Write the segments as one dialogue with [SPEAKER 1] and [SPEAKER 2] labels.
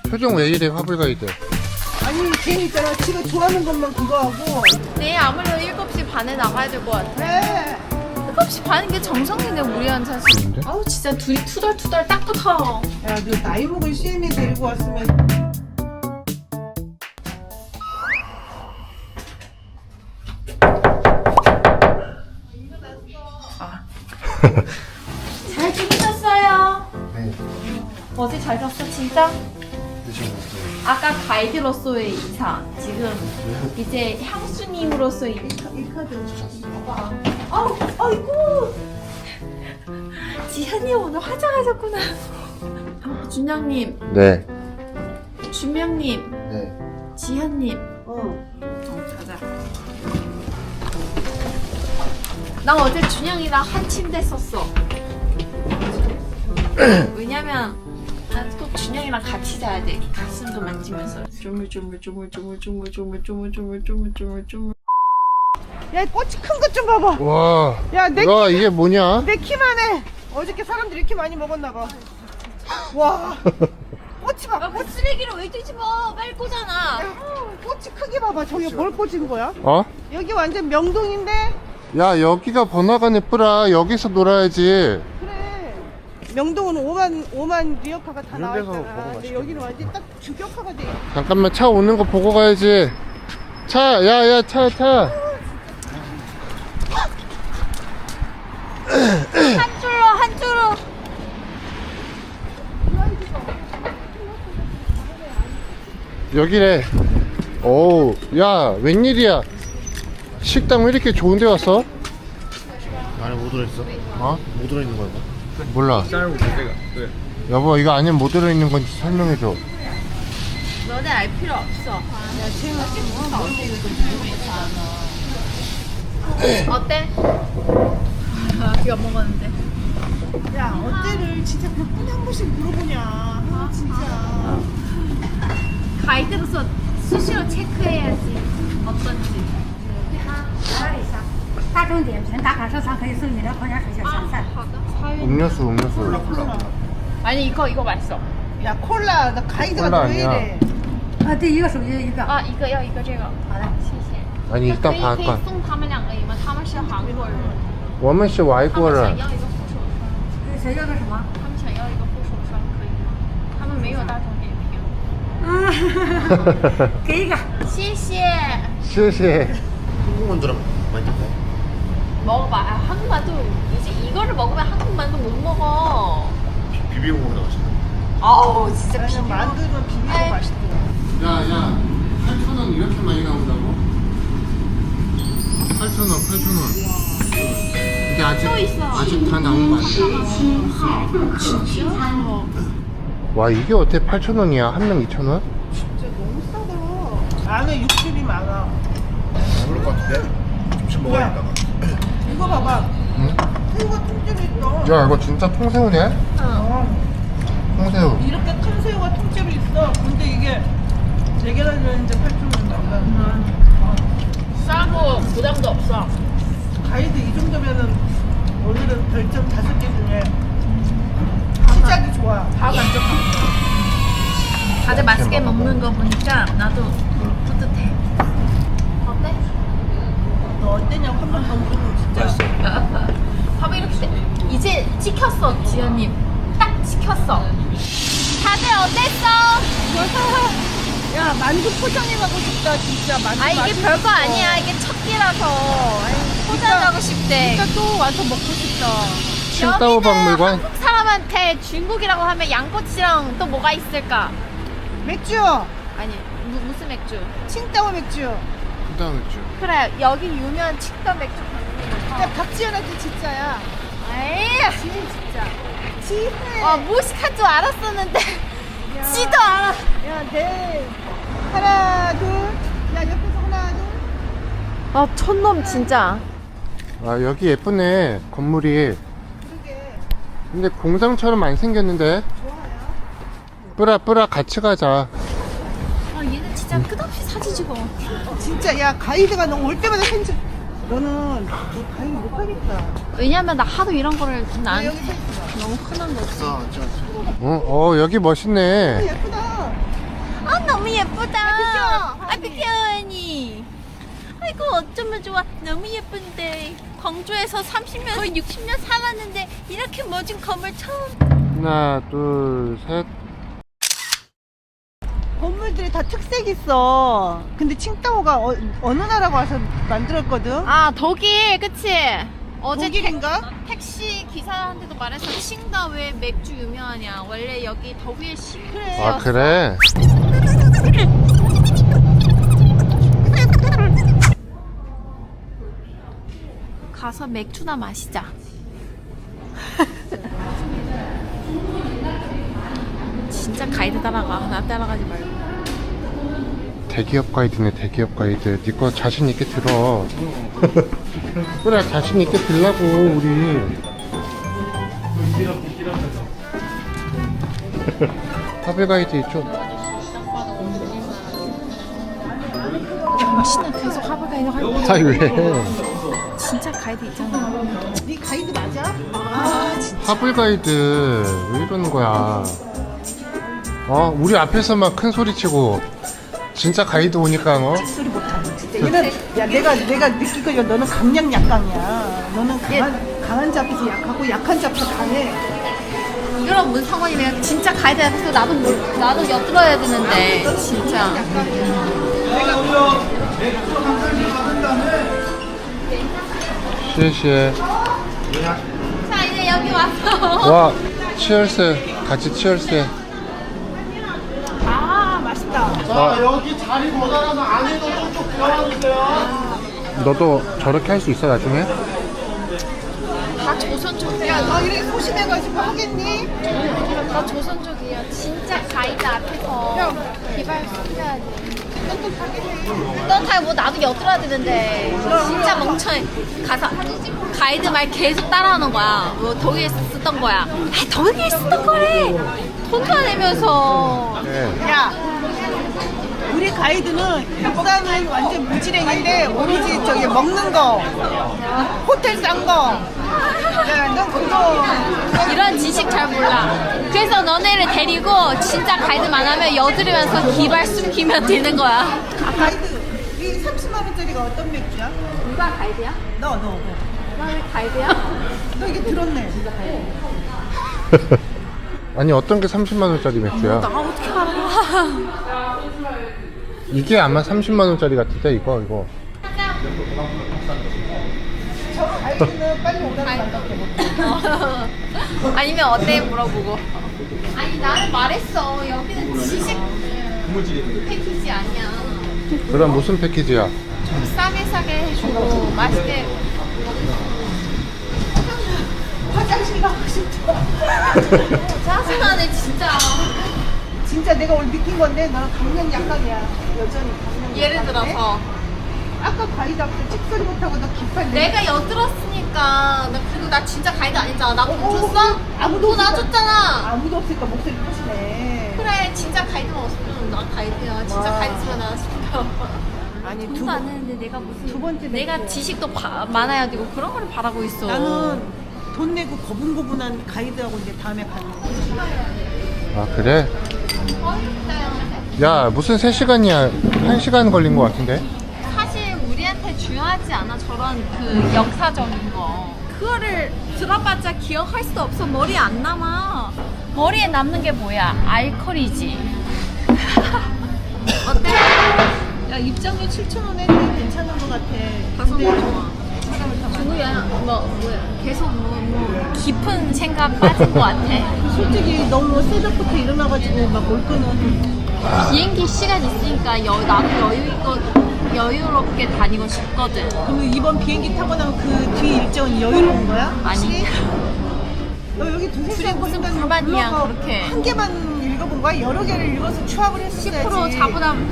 [SPEAKER 1] 표정 왜 이래, 화불 가이드.
[SPEAKER 2] 아니 걔 있잖아 지가 좋아하는 것만 그거 하고.
[SPEAKER 3] 내일 아무래도 7시 반에 나가야 될 것 같아.
[SPEAKER 2] 그래.
[SPEAKER 3] 7시 반인 게 정성이네, 우리한 사실.
[SPEAKER 1] 뭔데?
[SPEAKER 3] 아우, 진짜 둘이 투덜투덜 딱 붙어.
[SPEAKER 2] 야너 나이 먹은 시엠이 데리고 왔으면.
[SPEAKER 3] 잘 주무셨어요?
[SPEAKER 1] 네.
[SPEAKER 3] 어제 잘 잤어, 진짜?
[SPEAKER 1] 드시고
[SPEAKER 3] 아까 가이드로서의 이사, 지금 이제 향수님으로서의 이 카드. 봐봐. 아우, 아이고. 지현이 오늘 화장하셨구나. 준영님,
[SPEAKER 1] 네.
[SPEAKER 3] 준명님,
[SPEAKER 1] 네.
[SPEAKER 3] 지현님.
[SPEAKER 2] 어.
[SPEAKER 3] 가자. 나 어제 준영이랑 한 침대 썼어. 왜냐면 난 꼭 준영이랑 같이 자야 돼. 가슴도 만지면서 조물조물조물조물조물조물조물조물조물조물.
[SPEAKER 2] 야 꽃이 큰 것 좀 봐봐.
[SPEAKER 1] 와.
[SPEAKER 2] 야내
[SPEAKER 1] 와, 이게 뭐냐?
[SPEAKER 2] 내 키만 해. 어저께 사람들이 이렇게 많이 먹었나 봐. 와. 꽃이 봐봐.
[SPEAKER 3] 그 쓰레기를 왜 뒤집어? 빨리 꽂아놔.
[SPEAKER 2] 꽃이 크게 봐봐. 저기 뭘 꽂은 거야?
[SPEAKER 1] 어?
[SPEAKER 2] 여기 완전 명동인데.
[SPEAKER 1] 야, 여기가 번화가 예쁘라. 여기서 놀아야지.
[SPEAKER 2] 그래. 명동은 5만 리어카가 다
[SPEAKER 1] 이런 데서
[SPEAKER 2] 나와 있잖아.
[SPEAKER 1] 먹으면
[SPEAKER 2] 근데
[SPEAKER 1] 맛있겠다.
[SPEAKER 2] 여기는 완전 딱 주격화가 돼.
[SPEAKER 1] 잠깐만, 차 오는 거 보고 가야지. 차, 야, 차.
[SPEAKER 3] 한 줄로.
[SPEAKER 1] 여기래. 오우, 야, 웬일이야. 식당 왜 이렇게 좋은 데 왔어?
[SPEAKER 4] 안에 뭐 들어있어?
[SPEAKER 1] 어?
[SPEAKER 4] 뭐 들어있는 거야?
[SPEAKER 1] 몰라.
[SPEAKER 4] 쌀고 무대가 그래.
[SPEAKER 1] 여보, 이거 안에 뭐 들어있는 건지 설명해줘.
[SPEAKER 3] 너네 알 필요 없어. 어때? 이거 먹었는데.
[SPEAKER 2] 야 어때를 진짜 몇 분에 한 번씩 물어보냐. 아, 진짜.
[SPEAKER 3] 가이드로서 수시로 체크해야지. 어떤지.
[SPEAKER 5] 大众点评打卡收藏可以送饮料、矿泉水、小咸菜。
[SPEAKER 1] 음료수.
[SPEAKER 3] 아니 이거 맛있어.
[SPEAKER 2] 야 콜라 나 가이드가
[SPEAKER 1] 콜라
[SPEAKER 2] 왜
[SPEAKER 1] 아니야.
[SPEAKER 2] 이래.
[SPEAKER 5] 第一个手机一个。
[SPEAKER 3] 아 이거要一个这个。好的，谢谢。
[SPEAKER 1] 아니, 일단
[SPEAKER 3] 可以
[SPEAKER 1] 봐봐.
[SPEAKER 3] 送他们两个吗？他们是韩国人，
[SPEAKER 1] 我们是外
[SPEAKER 3] 他
[SPEAKER 1] 国人。
[SPEAKER 3] 们想要一个护手霜，
[SPEAKER 5] 谁要个什么？
[SPEAKER 3] 他们想要一个护手霜，可以吗？他们没有大众点评。
[SPEAKER 5] 给一个。
[SPEAKER 3] 谢谢。
[SPEAKER 1] 시시.
[SPEAKER 4] 한국만 들어 많이 먹어.
[SPEAKER 3] 먹어봐. 아, 한국만두 이제 이거를 먹으면 한국만두 못 먹어.
[SPEAKER 4] 비비고 먹으러 가시네.
[SPEAKER 3] 아우 진짜
[SPEAKER 2] 나는 만두는 비비고
[SPEAKER 3] 에이.
[SPEAKER 2] 맛있더라.
[SPEAKER 1] 야, 8,000원 이렇게 많이 나온다고? 8,000원. 근데
[SPEAKER 3] 또 있어.
[SPEAKER 1] 아직 다 나온 거 아니야?
[SPEAKER 3] 진짜?
[SPEAKER 1] 와, 이게 어떻게 8,000원이야? 한 명 2,000원?
[SPEAKER 2] 진짜 너무 싸다. 안에 육즙이 많아.
[SPEAKER 4] 모를 것 같은데? 점심 먹어야 겠다.
[SPEAKER 2] 이거 봐봐.
[SPEAKER 1] 응?
[SPEAKER 2] 새우가 통째로 있어.
[SPEAKER 1] 야, 이거 진짜 통새우네? 통새우.
[SPEAKER 2] 이렇게 큰 새우가 통째로 있어. 근데 이게 4개나 들어있는데 8,000원.
[SPEAKER 3] 싸고 부담도 없어.
[SPEAKER 2] 가이드 이 정도면은 오늘은 별점 5개 중에 시작이 좋아.
[SPEAKER 3] 다 만족하고. 다들 맛있게 먹는 거 보니까 나도 뿌듯해. 어때?
[SPEAKER 2] 너 어땠냐고 한 번 더 물어보면 진짜.
[SPEAKER 3] 봐봐 이렇게 돼. 이제 찍혔어 지연님. 딱 찍혔어. 다들 어땠어?
[SPEAKER 2] 야 만두 포장해가고 싶다 진짜. 만두
[SPEAKER 3] 아 이게
[SPEAKER 2] 맛있어.
[SPEAKER 3] 별거 아니야. 이게 첫 끼라서 포장하고 싶대.
[SPEAKER 2] 진짜 또 와서 먹고 싶다.
[SPEAKER 1] 칭따오
[SPEAKER 3] 여기는
[SPEAKER 1] 박물관.
[SPEAKER 3] 한국 사람한테 중국이라고 하면 양꼬치랑 또 뭐가 있을까?
[SPEAKER 2] 맥주.
[SPEAKER 3] 아니 무슨 맥주?
[SPEAKER 2] 칭따오 맥주.
[SPEAKER 1] 칭따오 맥주.
[SPEAKER 3] 그래 여기 유명한 칡더 맥주.
[SPEAKER 2] 야 박지현한테 진짜야.
[SPEAKER 3] 에이
[SPEAKER 2] 진짜. 지혜.
[SPEAKER 3] 무식한 줄 알았었는데 지도 알아.
[SPEAKER 2] 야, 네. 하나, 둘. 야, 옆에서 하나, 둘.
[SPEAKER 3] 촌놈 진짜.
[SPEAKER 1] 아, 여기 예쁘네, 건물이.
[SPEAKER 2] 그러게.
[SPEAKER 1] 근데 공장처럼 안 생겼는데?
[SPEAKER 2] 좋아요.
[SPEAKER 1] 뿌라 같이 가자.
[SPEAKER 3] 얘는 진짜 끝없이 사진 찍어.
[SPEAKER 2] 진짜, 야, 가이드가 너 올 때마다 생각. 너는 너 가이드 못 하겠다.
[SPEAKER 3] 왜냐면 나 하도 이런 거를
[SPEAKER 2] 너
[SPEAKER 3] 난
[SPEAKER 2] 여기 서 있어.
[SPEAKER 3] 너무 흔한 거지.
[SPEAKER 1] 여기 멋있네.
[SPEAKER 2] 예쁘다.
[SPEAKER 3] 너무 예쁘다. 아, 비켜, 언니. 아이고, 어쩌면 좋아. 너무 예쁜데. 광주에서 30년, 거의 60년 살았는데, 이렇게 멋진 건물 처음.
[SPEAKER 1] 하나, 둘, 셋.
[SPEAKER 2] 건물들이 다 특색 있어. 근데 칭따오가 어느 나라가 와서 만들었거든?
[SPEAKER 3] 아, 독일, 그치? 어제
[SPEAKER 2] 독일인가?
[SPEAKER 3] 택시 기사한테도 말해서 칭다 왜 맥주 유명하냐. 원래 여기 독일식.
[SPEAKER 2] 그래.
[SPEAKER 1] 아, 그래?
[SPEAKER 3] 가서 맥주나 마시자. 진짜 가이드 따라가. 나 따라가지 말고.
[SPEAKER 1] 대기업 가이드네, 대기업 가이드. 니 거 자신 있게 들어. 그래, 자신 있게 들라고, 우리. 하벨 가이드 있죠?
[SPEAKER 3] 정신은 계속 하부 가이드 할 거야.
[SPEAKER 1] 아, 왜?
[SPEAKER 3] 진짜 가이드 있잖아.
[SPEAKER 2] 네 가이드 맞아? 아 진짜.
[SPEAKER 1] 하벨 가이드 왜 이러는 거야? 우리 앞에서만 큰 소리 치고 진짜 가이드 오니까
[SPEAKER 2] 소리 못하고 진짜. 얘는 야 내가 느끼기로 너는 강약 약강이야. 너는 강한 잡에서 약하고 약한 잡에서 강해.
[SPEAKER 3] 이런 뭔 상관이냐. 진짜 가이드 앞에서 나도 엿들어야 되는데. 진짜.
[SPEAKER 1] 시에시에.
[SPEAKER 3] 자, 이제 여기 왔어.
[SPEAKER 1] 와, 치얼스. 같이 치얼스.
[SPEAKER 2] 아 맛있다.
[SPEAKER 1] 여기 자리 모자라서 안에도 좀 비워주세요. 너도 저렇게 할 수 있어, 나중에?
[SPEAKER 3] 다 조선족이야.
[SPEAKER 2] 야 너 이렇게 소심해가지고 하겠니?
[SPEAKER 3] 나 조선족이야. 진짜 가이드 앞에서 기발 숨겨야 돼. 넌 다 뭐 나도 엿들어야 되는데. 진짜 멍청해. 가서 가이드 말 계속 따라하는 거야. 뭐 독일에 쓰던 거야. 아, 독일에 쓰던 거래. 돈도 안 내면서.
[SPEAKER 1] 네.
[SPEAKER 2] 야 우리 가이드는 역사는 완전 무지랭인데 오로지 저기 먹는 거 호텔 싼 거. 야너 그거
[SPEAKER 3] 이런 지식 잘 몰라. 그래서 너네를 데리고 진짜 가이드만 하면 여드리면서 기발 숨기면 되는 거야.
[SPEAKER 2] 아, 가이드 이 30만 원짜리가 어떤 맥주야?
[SPEAKER 3] 누가 가이드야?
[SPEAKER 2] 너.
[SPEAKER 3] 나 왜 가이드야?
[SPEAKER 2] 너 이게 들었네.
[SPEAKER 1] 아니, 어떤 게 30만 원짜리 맥주야?
[SPEAKER 3] 나 어떻게 알아?
[SPEAKER 1] 이게 아마 30만 원짜리 같은데, 이거.
[SPEAKER 2] 저 가이드는 빨리 오라는 말밖에 못해.
[SPEAKER 3] 아니면 어때 물어보고. 아니 나는 말했어. 여기는 지식 패키지 아니야.
[SPEAKER 1] 그럼 무슨 패키지야?
[SPEAKER 3] 싸게 해주고 맛있게.
[SPEAKER 2] 화장실 가고 싶어.
[SPEAKER 3] 짜증나네 진짜.
[SPEAKER 2] 진짜 내가 오늘 느낀 건데 너는 강력 약강이야. 여전히 강력.
[SPEAKER 3] 예를 들어서
[SPEAKER 2] 아까 가이드 앞에 찍소리 못하고 너 깃발
[SPEAKER 3] 내가 엿들었으니까. 나 그리고 나 진짜 가이드 아니잖아. 나 돈 줬어?
[SPEAKER 2] 아무도
[SPEAKER 3] 돈 안 줬잖아.
[SPEAKER 2] 아무도 없으니까 목소리 크시네.
[SPEAKER 3] 그래 진짜 가이드가 없으면 나 가이드야. 진짜
[SPEAKER 2] 와.
[SPEAKER 3] 가이드면 나 시켜.
[SPEAKER 2] 아니
[SPEAKER 3] 돈도 안 했는데 내가 무슨
[SPEAKER 2] 두 번째
[SPEAKER 3] 내가
[SPEAKER 2] 맥주야.
[SPEAKER 3] 지식도 많아야 되고 그런 거를 바라고 있어.
[SPEAKER 2] 나는 돈 내고 고분고분한 가이드하고 이제 다음에 가는 거야.
[SPEAKER 1] 아, 그래? 야, 무슨 3시간이야? 1시간 걸린 거 같은데?
[SPEAKER 3] 사실 우리한테 중요하지 않아. 저런 그 역사적인 거 그거를 들어봤자 기억할 수 없어. 머리에 안 남아. 머리에 남는 게 뭐야? 알코올이지. 어때?
[SPEAKER 2] 야 입장료 7,000원 했는데 괜찮은 거 같아.
[SPEAKER 3] 가서
[SPEAKER 2] 근데
[SPEAKER 3] 좋아. 뭐야? 뭐야? 계속 뭐 깊은 생각 빠진 거 같아.
[SPEAKER 2] 솔직히 너무 새벽부터 일어나가지고 막 올 거는
[SPEAKER 3] 비행기 시간 있으니까 나도 여유롭게 다니고 싶거든.
[SPEAKER 2] 그럼 이번 비행기 타고 나면 그 뒤 일정은 여유로운 거야?
[SPEAKER 3] 아니.
[SPEAKER 2] 너 여기 두세
[SPEAKER 3] 그래,
[SPEAKER 2] 시간
[SPEAKER 3] 무슨
[SPEAKER 2] 보니까
[SPEAKER 3] 불만이야,
[SPEAKER 2] 블로거
[SPEAKER 3] 그렇게.
[SPEAKER 2] 한 개만 읽어본 거야? 여러 개를 읽어서 추합을 했어야지.
[SPEAKER 3] 10% 자부담.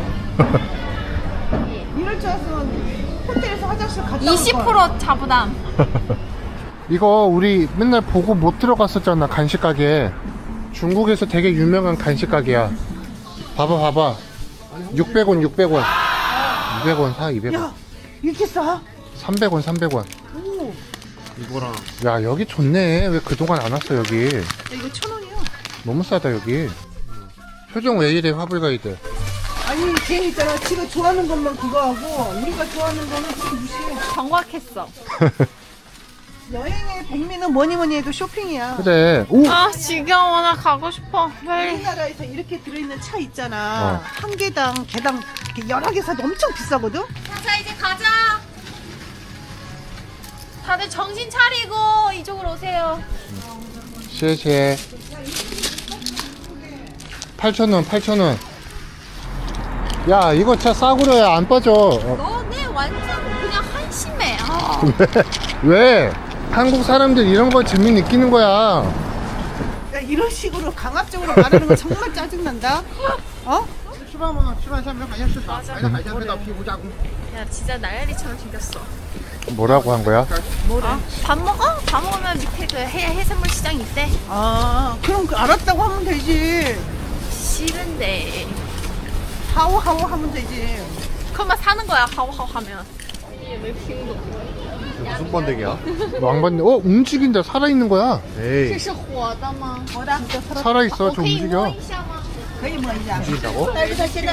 [SPEAKER 2] 이럴 줄 알았으면 호텔에서 화장실 갔다 올 거야.
[SPEAKER 3] 20% 자부담.
[SPEAKER 1] 이거 우리 맨날 보고 못 들어갔었잖아, 간식 가게. 중국에서 되게 유명한 간식 가게야. 봐봐. 600원. 200원 사, 200원.
[SPEAKER 2] 야 이렇게 싸?
[SPEAKER 1] 300원.
[SPEAKER 2] 오.
[SPEAKER 4] 이거랑
[SPEAKER 1] 야, 여기 좋네. 왜 그동안 안 왔어, 여기?
[SPEAKER 2] 야, 이거 1,000원이야.
[SPEAKER 1] 너무 싸다, 여기. 표정 왜 이래, 화불 가이드.
[SPEAKER 2] 아니 걔 있잖아. 지가 좋아하는 것만 그거 하고 우리가 좋아하는 거는 그거 무시해.
[SPEAKER 3] 정확했어.
[SPEAKER 2] 여행의 백미는 뭐니 해도 쇼핑이야.
[SPEAKER 1] 그래. 오!
[SPEAKER 3] 아 지겨워. 나 가고 싶어. 빨리.
[SPEAKER 2] 우리나라에서 이렇게 들어있는 차 있잖아. 한 개당 이렇게 여러 개 사도 엄청 비싸거든.
[SPEAKER 3] 자 이제 가자. 다들 정신 차리고 이쪽으로 오세요.
[SPEAKER 1] 谢谢. 8,000원, 8,000원. 야, 이거 진짜 싸구려야. 안 빠져.
[SPEAKER 3] 너네 완전 그냥 한심해. 아.
[SPEAKER 1] 왜? 한국 사람들 이런 거 재미 느끼는 거야.
[SPEAKER 2] 야, 이런 식으로 강압적으로 말하는 거 정말 짜증난다. 어?
[SPEAKER 3] 야 진짜 날리처럼 생겼어.
[SPEAKER 1] 뭐라고 한 거야?
[SPEAKER 3] 밥 먹어? 밥 먹으면 밑에 그 해산물 시장 있대.
[SPEAKER 2] 아, 그럼 알았다고 하면 되지.
[SPEAKER 3] 싫은데.
[SPEAKER 2] 하오하오 하면 되지.
[SPEAKER 3] 그만 사는 거야. 하오하오 하면.
[SPEAKER 4] 무슨 번데기야?
[SPEAKER 1] 왕반대. 움직인다. 살아있는 거야.
[SPEAKER 4] 에이.
[SPEAKER 3] 这是活的吗？
[SPEAKER 2] 뭐다? 진짜 살았다.
[SPEAKER 1] 살아있어. 좀
[SPEAKER 3] 可以摸
[SPEAKER 1] 움직여.
[SPEAKER 3] 一下吗？
[SPEAKER 2] 거의 뭐 이제.
[SPEAKER 4] 움직인다고?
[SPEAKER 2] 딸기现在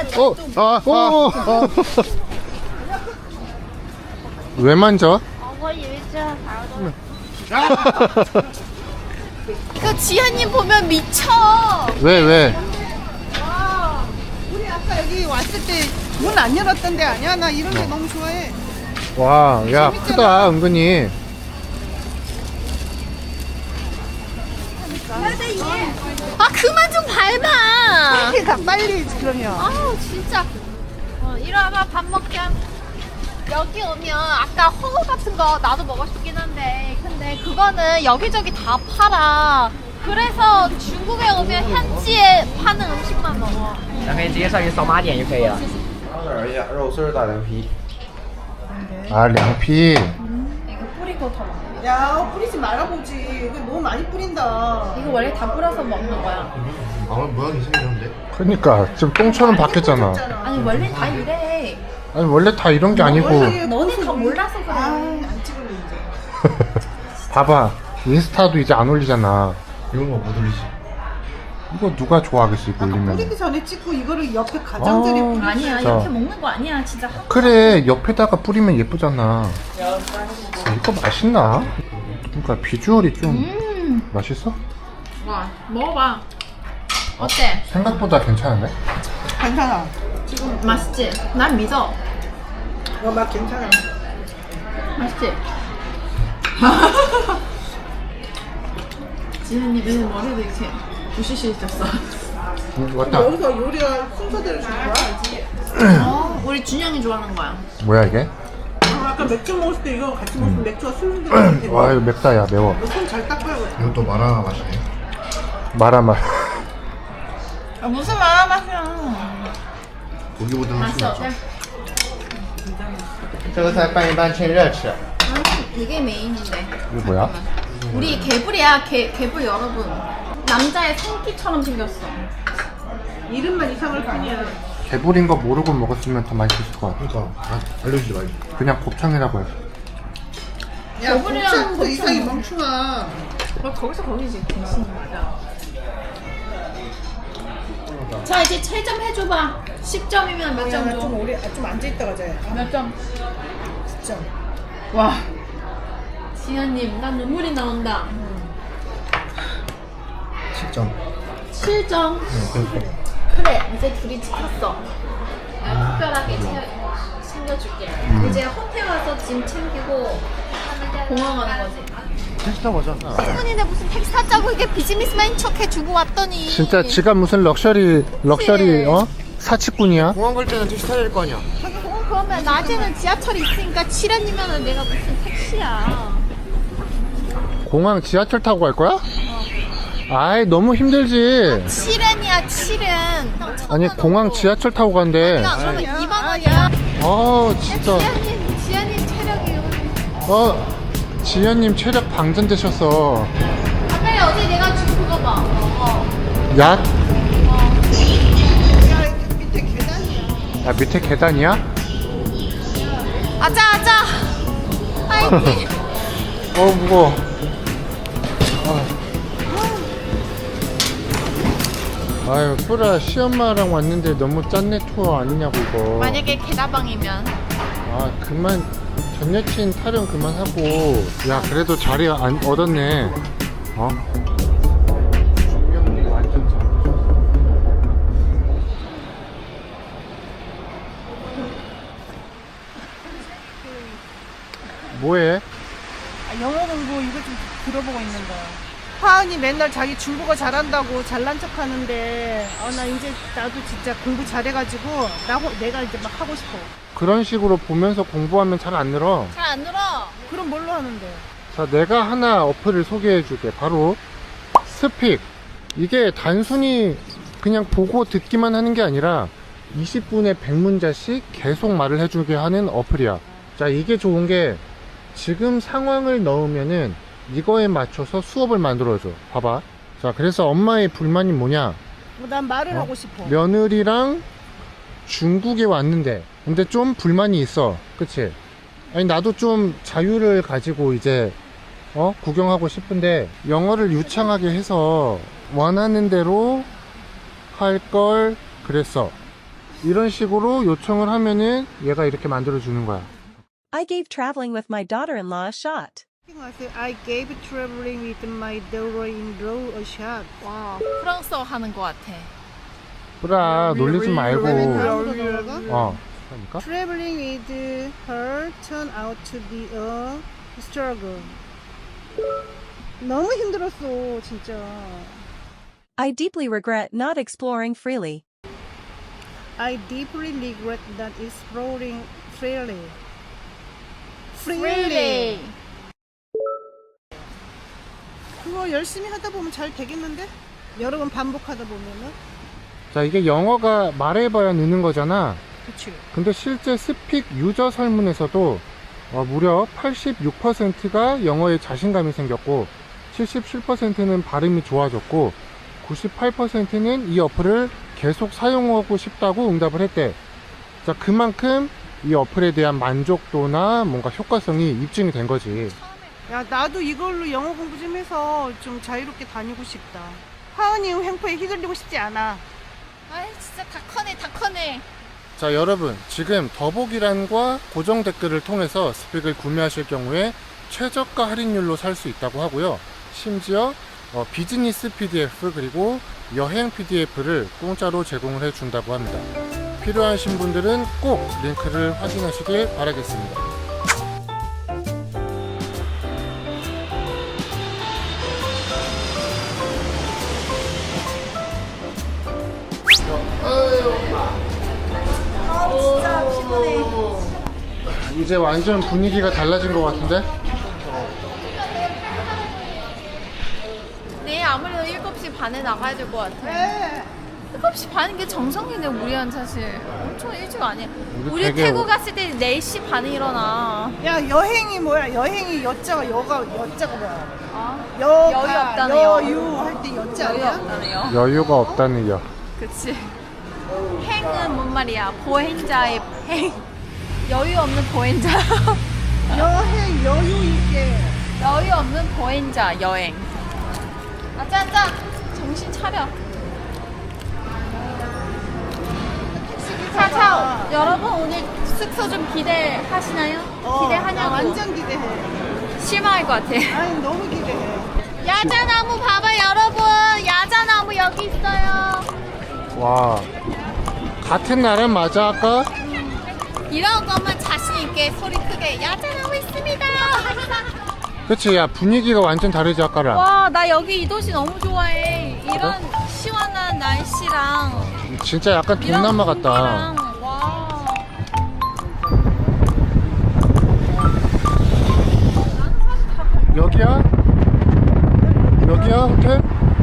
[SPEAKER 1] 왜 만져?
[SPEAKER 3] 我以为这还有东西。 그 지현님 보면 미쳐.
[SPEAKER 1] 왜?
[SPEAKER 2] 우리 아까 여기 왔을 때 문 안 열었던 데 아니야? 나 이런 데 너무 좋아해.
[SPEAKER 1] 와, 야, 크다, 은근히.
[SPEAKER 3] 아 그만 좀 밟아.
[SPEAKER 2] 빨리 가, 빨리 그러면.
[SPEAKER 3] 아우 진짜. 이리 와봐 밥 먹게. 여기 오면 아까 홍어 같은 거 나도 먹고 싶긴 한데 근데 그거는 여기저기 다 팔아. 그래서 중국에 오면 현지에 파는 음식만 먹어.
[SPEAKER 6] 咱可以直接上去扫码点就可以了。
[SPEAKER 4] 当然一下，肉丝儿大凉皮。
[SPEAKER 1] 아, 량피.
[SPEAKER 3] 이거 뿌리고 더 먹어.
[SPEAKER 2] 야, 뿌리지 말아보지. 이거 너무 많이 뿌린다.
[SPEAKER 3] 이거 원래 다 뿌려서 먹는 거야.
[SPEAKER 4] 모양이 생겼는데?
[SPEAKER 1] 그러니까 지금 똥처럼 바뀌었잖아.
[SPEAKER 3] 아니 원래 다 이래.
[SPEAKER 1] 아니, 원래 다 이런 게 아니고.
[SPEAKER 3] 너네 다 몰라서 그래.
[SPEAKER 2] 아, 안 찍을래 이제.
[SPEAKER 1] 봐봐. 인스타도 이제 안 올리잖아.
[SPEAKER 4] 이런 거 못 올리지.
[SPEAKER 1] 이거 누가 좋아하겠어, 이거 올리면.
[SPEAKER 2] 뿌리기 전에 찍고 이거를 옆에 가장자리에
[SPEAKER 1] 아.
[SPEAKER 2] 뿌리지.
[SPEAKER 3] 아니야
[SPEAKER 1] 자.
[SPEAKER 3] 이렇게 먹는 거 아니야 진짜.
[SPEAKER 1] 그래, 옆에다가 뿌리면 예쁘잖아. 이거 맛있나? 그러니까 비주얼이 좀 맛있어?
[SPEAKER 3] 와 먹어봐. 어때?
[SPEAKER 1] 생각보다 괜찮은데?
[SPEAKER 2] 괜찮아.
[SPEAKER 3] 맛있지? 난 믿어.
[SPEAKER 2] 이거 맛 괜찮아.
[SPEAKER 3] 맛있지? 지현님 왜 머리도 이렇게 부시시 있었어?
[SPEAKER 1] 왔다.
[SPEAKER 2] 여기서 요리가 순서대로 준 거야?
[SPEAKER 3] 우리 준영이 좋아하는 거야.
[SPEAKER 1] 뭐야, 이게?
[SPEAKER 2] 아까 맥주 먹을 때 이거 같이 먹으면 맥주가 순서대로 돼.
[SPEAKER 1] 와, 이거 맵다, 야, 매워.
[SPEAKER 2] 손잘 닦아야겠다.
[SPEAKER 4] 이건 또 마라 맛이네.
[SPEAKER 1] 마라말.
[SPEAKER 3] 무슨 마라 맛이야?
[SPEAKER 4] 고기보다는 술
[SPEAKER 3] 맛있어.
[SPEAKER 4] 낫죠.
[SPEAKER 6] 这个菜拌一拌，趁热吃。
[SPEAKER 3] 이게 메인인데.
[SPEAKER 1] 이거 뭐야?
[SPEAKER 3] 우리 개불이야. 개불 여러분. 남자의 성기처럼 생겼어.
[SPEAKER 2] 이름만 이상할 뿐이야.
[SPEAKER 1] 개불인 거 모르고 먹었으면 더 맛있을 것 같아.
[SPEAKER 4] 그러니까 알려주지 말지.
[SPEAKER 1] 그냥 곱창이라고 해.
[SPEAKER 2] 야,
[SPEAKER 3] 개불이랑
[SPEAKER 2] 곱창도
[SPEAKER 3] 곱창.
[SPEAKER 2] 이상이 멈추마.
[SPEAKER 3] 거기서 거기지. 정신이 맞아. 자 이제 채점 해줘봐. 10점이면 몇 점 줘?
[SPEAKER 2] 좀 오래, 좀 앉아있다 가자.
[SPEAKER 3] 몇 점?
[SPEAKER 2] 9점.
[SPEAKER 3] 와. 지현님, 난 눈물이 나온다.
[SPEAKER 4] 10점.
[SPEAKER 3] 7점. 그래, 이제 둘이 지켰어. 내가 특별하게 챙겨줄게. 이제 호텔 와서 짐 챙기고 공항 가는 거지.
[SPEAKER 4] 택시 타고 가자.
[SPEAKER 3] 신분인데 무슨 택시 타자고 이게 비즈니스맨 척 해주고 왔더니.
[SPEAKER 1] 진짜 지가 무슨 럭셔리, 사치꾼이야?
[SPEAKER 4] 공항 갈 때는 택시 타야 될 거 아니야.
[SPEAKER 3] 그러면 낮에는 지하철이 있으니까 7원이면 내가 무슨 택시야.
[SPEAKER 1] 공항 지하철 타고 갈 거야? 아이, 너무 힘들지.
[SPEAKER 3] 7원이야, 7원.
[SPEAKER 1] 아니, 공항 지하철 타고 간대.
[SPEAKER 3] 그러면 2만 원이야.
[SPEAKER 1] 진짜.
[SPEAKER 3] 지현님 체력이.
[SPEAKER 1] 지현님 체력 방전되셨어.
[SPEAKER 3] 빨리 어제 내가 준 그거 봐.
[SPEAKER 1] 약?
[SPEAKER 2] 야, 밑에 계단이야.
[SPEAKER 1] 야, 밑에 계단이야?
[SPEAKER 3] 아자. 파이팅.
[SPEAKER 1] 무거워. 아유 뿌라 시엄마랑 왔는데 너무 짠내 투어 아니냐고 이거.
[SPEAKER 3] 만약에 개다방이면
[SPEAKER 1] 아 그만 전 여친 타령 그만하고. 야 그래도 자리 안 얻었네. 어? 조명이 완전 잡으셨어. 뭐해?
[SPEAKER 2] 영어 공부 이거 좀 들어보고 있는 거야. 하은이 맨날 자기 중국어 잘한다고 잘난 척 하는데, 나 이제 나도 진짜 공부 잘해가지고, 내가 이제 막 하고 싶어.
[SPEAKER 1] 그런 식으로 보면서 공부하면 잘 안 늘어.
[SPEAKER 3] 잘 안 늘어.
[SPEAKER 2] 그럼 뭘로 하는데?
[SPEAKER 1] 자, 내가 하나 어플을 소개해 줄게. 바로 스픽. 이게 단순히 그냥 보고 듣기만 하는 게 아니라 20분에 100문자씩 계속 말을 해주게 하는 어플이야. 자, 이게 좋은 게 지금 상황을 넣으면은 이거에 맞춰서 수업을 만들어줘. 봐봐. 자, 그래서 엄마의 불만이 뭐냐?
[SPEAKER 2] 난 말을
[SPEAKER 1] 어?
[SPEAKER 2] 하고 싶어.
[SPEAKER 1] 며느리랑 중국에 왔는데 근데 좀 불만이 있어. 그치? 아니 나도 좀 자유를 가지고 이제 구경하고 싶은데 영어를 유창하게 해서 원하는 대로 할 걸 그랬어. 이런 식으로 요청을 하면은 얘가 이렇게 만들어 주는 거야.
[SPEAKER 7] I gave traveling with my daughter-in-law a shot.
[SPEAKER 2] I gave traveling with my daughter-in-law a shot.
[SPEAKER 3] 와, 프랑스어 하는 것 같아.
[SPEAKER 1] 뿌라 놀리지 말고.
[SPEAKER 2] 그러니까?
[SPEAKER 1] 그러니까?
[SPEAKER 2] Traveling with her turned out to be a struggle. 너무 힘들었어, 진짜.
[SPEAKER 7] I deeply regret not exploring freely.
[SPEAKER 2] I deeply regret not exploring freely.
[SPEAKER 3] Really?
[SPEAKER 2] 그거 열심히 하다 보면 잘 되겠는데? 여러 번 반복하다 보면은?
[SPEAKER 1] 자, 이게 영어가 말해봐야 느는 거잖아.
[SPEAKER 2] 그치.
[SPEAKER 1] 근데 실제 스픽 유저 설문에서도 무려 86%가 영어에 자신감이 생겼고 77%는 발음이 좋아졌고 98%는 이 어플을 계속 사용하고 싶다고 응답을 했대. 자, 그만큼 이 어플에 대한 만족도나 뭔가 효과성이 입증이 된 거지.
[SPEAKER 2] 야, 나도 이걸로 영어 공부 좀 해서 좀 자유롭게 다니고 싶다. 하은이 횡포에 휘둘리고 싶지 않아.
[SPEAKER 3] 아이, 진짜 다 커네, 다 커네.
[SPEAKER 1] 자, 여러분 지금 더보기란과 고정 댓글을 통해서 스픽을 구매하실 경우에 최저가 할인율로 살 수 있다고 하고요. 심지어 비즈니스 PDF 그리고 여행 PDF를 공짜로 제공을 해준다고 합니다. 필요하신 분들은 꼭 링크를 확인하시길 바라겠습니다.
[SPEAKER 3] 진짜 피곤해.
[SPEAKER 1] 이제 완전 분위기가 달라진 것 같은데?
[SPEAKER 3] 내일 아무래도 7시 반에 나가야 될 것 같아. 7시 반인 게 정상인데 우리한 사실 엄청 일찍 아니야. 우리
[SPEAKER 1] 되게
[SPEAKER 3] 태국 갔을 때 4시 반에 일어나.
[SPEAKER 2] 야, 여행이 뭐야? 여행이 여자가 여자가 뭐야?
[SPEAKER 3] 아,
[SPEAKER 2] 여가,
[SPEAKER 3] 여유 없다는 여.
[SPEAKER 2] 여유 할 때 여자
[SPEAKER 3] 여유
[SPEAKER 2] 아니야?
[SPEAKER 3] 없다네요.
[SPEAKER 1] 여유가 없다는 여.
[SPEAKER 3] 그치. 행은 뭔 말이야? 보행자의 행. 여유 없는 보행자.
[SPEAKER 2] 여행 여유 있게.
[SPEAKER 3] 여유 없는 보행자 여행. 아짜짜 정신 차려. 자, 여러분 오늘 숙소 좀 기대하시나요? 기대하냐고.
[SPEAKER 2] 완전 기대해.
[SPEAKER 3] 실망할 것 같아.
[SPEAKER 2] 아니 너무 기대해.
[SPEAKER 3] 야자나무 봐봐 여러분. 야자나무 여기 있어요.
[SPEAKER 1] 와, 같은 나라 맞아 아까?
[SPEAKER 3] 이런 것만 자신 있게 소리 크게 야자나무 있습니다.
[SPEAKER 1] 그치, 야 분위기가 완전 다르지 아까랑.
[SPEAKER 3] 와, 나 여기 이 도시 너무 좋아해. 이런 시원한 날씨랑
[SPEAKER 1] 진짜 약간
[SPEAKER 3] 이런
[SPEAKER 1] 동남아 같다.
[SPEAKER 3] 공기랑, 와.
[SPEAKER 1] 여기야? 여기야 호텔?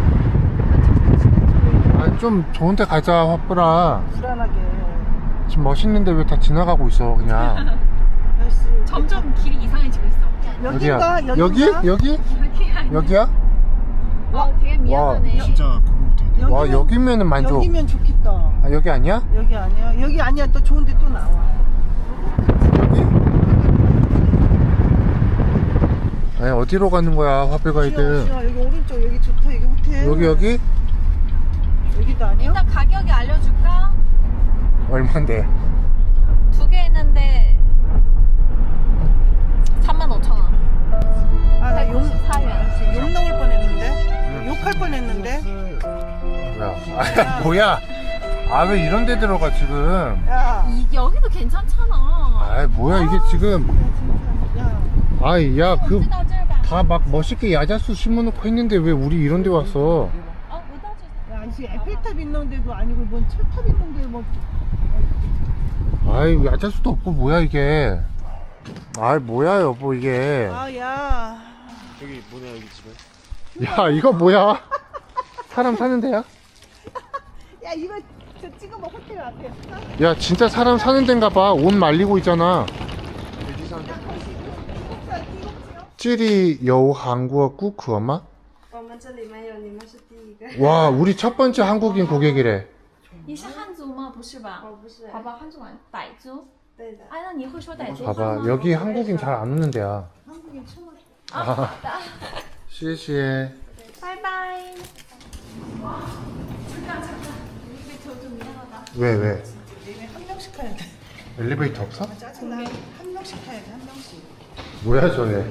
[SPEAKER 1] 아, 좀 좋은 데 가자 화뿌라.
[SPEAKER 2] 불안하게.
[SPEAKER 1] 지금 멋있는데 왜 다 지나가고 있어 그냥.
[SPEAKER 2] 날씨.
[SPEAKER 3] 점점 길이 이상해지고 있어.
[SPEAKER 2] 여긴가?
[SPEAKER 1] 어디야? 여기?
[SPEAKER 2] 여긴가?
[SPEAKER 1] 여기? 여기야?
[SPEAKER 3] 되게 미안하네.
[SPEAKER 4] 진짜 그런 것 같아.
[SPEAKER 1] 와, 여기면은 만족.
[SPEAKER 2] 여기면 좋겠다.
[SPEAKER 1] 아, 여기 아니야?
[SPEAKER 2] 여기 아니야? 여기 아니야. 또 좋은데 또 나와.
[SPEAKER 1] 여기? 아니, 어디로 가는 거야 화불 가이드?
[SPEAKER 2] 여기 오른쪽 여기 좋다. 여기 호텔.
[SPEAKER 1] 여기?
[SPEAKER 2] 여기다. 거 아니에요?
[SPEAKER 3] 일단 가격이 알려줄까?
[SPEAKER 1] 얼만데?
[SPEAKER 3] 두 개 있는데 35,000원.
[SPEAKER 2] 아, 나 욕
[SPEAKER 3] 194원.
[SPEAKER 2] 넘을 뻔했는데. 욕할 뻔했는데.
[SPEAKER 1] 뭐야? 뭐야? 아 왜 이런 데 들어가 지금?
[SPEAKER 2] 야,
[SPEAKER 3] 여기도 괜찮잖아.
[SPEAKER 1] 아 뭐야 이게 지금?
[SPEAKER 2] 야.
[SPEAKER 1] 아이 야 그 다 막 멋있게 야자수 심어놓고 했는데 왜 우리 이런 데 왔어?
[SPEAKER 2] 야, 지금 에펠탑 있는 데도 아니고 뭔 철탑 있는 데 뭐.
[SPEAKER 1] 아이 야자수도 없고 뭐야 이게? 아이 뭐야 여보 이게?
[SPEAKER 2] 아, 야.
[SPEAKER 4] 여기 뭐냐 여기 집에?
[SPEAKER 1] 야 이거 뭐야? 사람 사는 데야?
[SPEAKER 2] 야, 이거 저 찍어봐 호텔 앞에.
[SPEAKER 1] 야 진짜 사람 사는 데인가 봐. 옷 말리고 있잖아. 찌리 여우 한국어 꾸크어마? 와 우리 첫 번째 한국인 고객이래.
[SPEAKER 3] 你是汉族吗？不是吧？不是。好吧，汉族吗？傣族。对的。哎，那你会说傣族话
[SPEAKER 1] 봐봐
[SPEAKER 3] 吗？
[SPEAKER 1] 여기 한국인 잘 안 오는 데야.
[SPEAKER 2] 한국인 처음
[SPEAKER 1] 아, 시시해.
[SPEAKER 3] 拜拜。
[SPEAKER 1] 왜 왜?
[SPEAKER 2] 한 명씩 타야 돼.
[SPEAKER 1] 엘리베이터 없어?
[SPEAKER 2] 짜증나. 한 명씩 타야 돼, 한 명씩.
[SPEAKER 1] 뭐야 저게?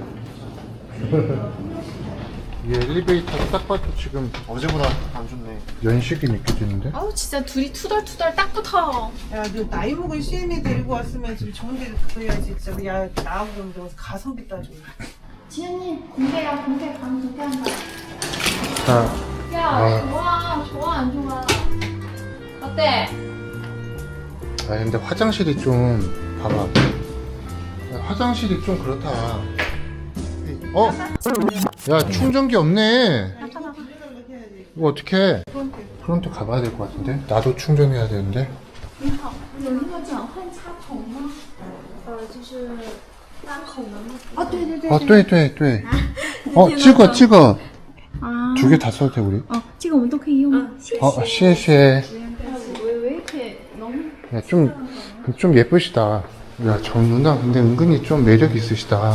[SPEAKER 1] 이 엘리베이터 딱 봐도 지금
[SPEAKER 4] 어제보다 안 좋네.
[SPEAKER 1] 연식이 느껴지는데?
[SPEAKER 3] 아우 진짜 둘이 투덜투덜 딱 붙어.
[SPEAKER 2] 야, 너 나이 먹은 CM에 데리고 왔으면 지금 좋은 데 그래야지. 진짜. 야, 나하고 그러면 가성비 따져.
[SPEAKER 3] 지현님 공개야 공개 방 공개한다.
[SPEAKER 1] 자,
[SPEAKER 3] 야 좋아 좋아 안 좋아. 어때?
[SPEAKER 1] 아 근데 화장실이 좀 봐봐. 야, 화장실이 좀 그렇다. 어? 야 충전기 없네. 이거 어떻게? 프론트 가봐야 될 것 같은데? 나도 충전해야 되는데.
[SPEAKER 3] 你好，有那个转换插头吗？就是单口的吗？哦，对对对。
[SPEAKER 1] 아, 对对对. 찍어. 2개 다 써도 돼 우리?
[SPEAKER 3] 哦，这个我们都可以用吗？
[SPEAKER 1] 시시해.
[SPEAKER 3] 我이렇게 너무
[SPEAKER 1] 야, 좀 예쁘시다. 야, 저 누나 근데 은근히 좀 매력 있으시다.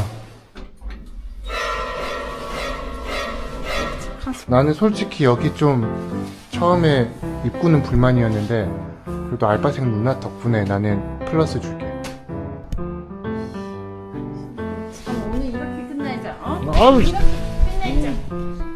[SPEAKER 1] 나는 솔직히 여기 좀 처음에 입구는 불만이었는데 그래도 알바생 누나 덕분에 나는 플러스 줄게.
[SPEAKER 3] 오늘 이렇게 끝내자. 어?
[SPEAKER 1] 아우,
[SPEAKER 3] 끝내자.